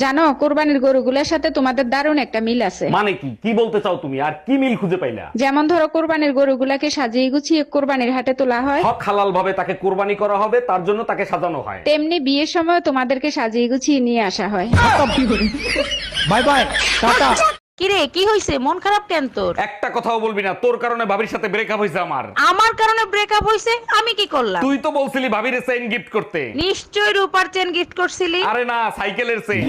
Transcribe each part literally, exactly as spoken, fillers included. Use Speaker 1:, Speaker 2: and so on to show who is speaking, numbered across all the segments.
Speaker 1: জানো কোরবানির গরুগুলোর সাথে তোমাদের দারুণ একটা মিল আছে।
Speaker 2: মানে কি কি বলতে চাও তুমি, আর কি মিল খুঁজে পাইলা?
Speaker 1: যেমন ধরো কোরবানির গরুগুলাকে সাজিয়ে গুছিয়ে কোরবানির হাটে তোলা হয়,
Speaker 2: হক হালাল ভাবে তাকে কোরবানি করা হবে, তার জন্য তাকে সাজানো হয়।
Speaker 1: তেমনি বিয়ের সময় তোমাদেরকে সাজিয়ে গুছিয়ে নিয়ে আসা হয়।
Speaker 3: বাই বাই টাটা।
Speaker 4: কিরে কি হইছে, মন খারাপ কেন তোর?
Speaker 2: একটা কথাও বলবি না, তোর কারণে ভাবির সাথে ব্রেকআপ হয়েছে আমার।
Speaker 4: আমার কারণে ব্রেকআপ হইছে? আমি কি করলাম?
Speaker 2: তুই তো বলছিলি ভাবির চেইন গিফট করতে।
Speaker 4: নিশ্চয় রূপার চেন গিফট করছিলি।
Speaker 2: আরে না, সাইকেলের চেইন।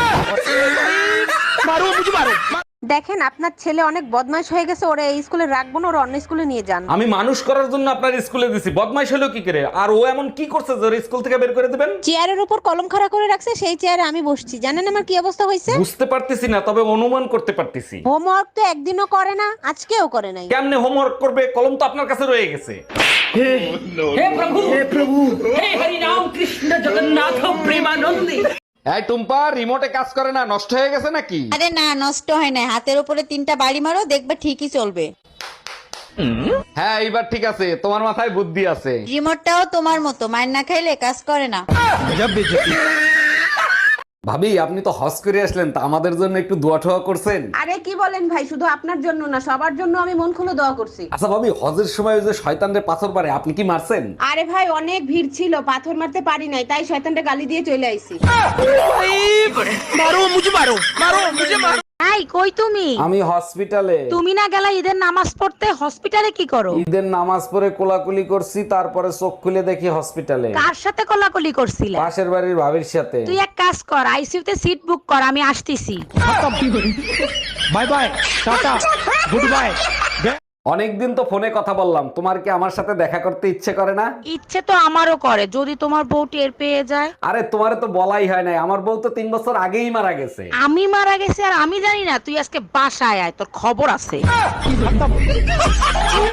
Speaker 5: দেখেন আপনার ছেলে অনেক বদমাশ হয়ে গেছে, ওরা এই স্কুলে রাখবো না, ওরা অন্য স্কুলে নিয়ে যান।
Speaker 2: আমি মানুষ করার জন্য আপনার স্কুলে দিছি, বদমাইশ হলো কি করে? আর ও এমন কি করছে যে ওর স্কুল থেকে বের করে দিবেন?
Speaker 5: চেয়ারের উপর কলম খাড়া করে রাখছে, সেই চেয়ারে আমি বসছি। জানেন আমার কি অবস্থা হয়েছে?
Speaker 2: বুঝতে পারতেছি না, তবে অনুমান করতে পারতেছি।
Speaker 5: হোমওয়ার্ক তো একদিনও করে না, আজকেও করে নাই।
Speaker 2: কেমনে হোমওয়ার্ক করবে? কলম তো আপনার কাছে রয়ে গেছে। এই টুম্পা, রিমোটে কাজ করে না, নষ্ট হয়ে গেছে নাকি?
Speaker 6: আরে না, নষ্ট হয় না। হাতের উপরে তিনটা বাড়ি মারো, দেখবে ঠিকই চলবে।
Speaker 2: হ্যাঁ এইবার ঠিক আছে, তোমার মাথায় বুদ্ধি আছে।
Speaker 6: রিমোটটাও তোমার মতো, মার না খাইলে কাজ করে না।
Speaker 2: ভাবি আপনি তো হজ করে আসলেন, তা আমাদের জন্য একটু দোয়া টোয়া করছেন?
Speaker 5: আরে কি বলেন ভাই, শুধু আপনার জন্য না, সবার জন্য আমি মন খুলে দোয়া করছি।
Speaker 2: আচ্ছা ভাবি, হজের সময় ওই যে শয়তানরে পাথর পারে, আপনি কি মারছেন?
Speaker 5: আরে ভাই অনেক ভিড় ছিল, পাথর মারতে পারি নাই, তাই শয়তানটা গালি দিয়ে চলে আইছি।
Speaker 4: এই কই তুমি?
Speaker 2: আমি হসপিটালে।
Speaker 4: তুমি না গেলা ঈদের নামাজ পড়তে? হসপিটালে কি করো?
Speaker 2: ঈদের নামাজ পড়ে কোলাকুলি করছি, তারপরে চোখ খুলে দেখি হসপিটালে।
Speaker 4: কার সাথে কোলাকুলি করছিলে?
Speaker 2: পাশের বাড়ির ভাবির সাথে।
Speaker 4: তুই এক কাজ কর, আইসিইউতে সিট বুক কর, আমি আসতেছি।
Speaker 3: Bye bye tata good bye.
Speaker 2: অনেকদিন তো ফোনে কথা বললাম, তোমার কি আমার সাথে দেখা করতে ইচ্ছে করে না?
Speaker 4: ইচ্ছে তো আমারও করে, যদি তোমার বউ টের পেয়ে যায়।
Speaker 2: আরে তোমারে তো বলাই হয় নাই, আমার বউ তো তিন বছর আগেই মারা গেছে।
Speaker 4: আমি মারা গেছি আর আমি জানি না? তুই আজকে বাসায় আয়, তোর খবর আছে।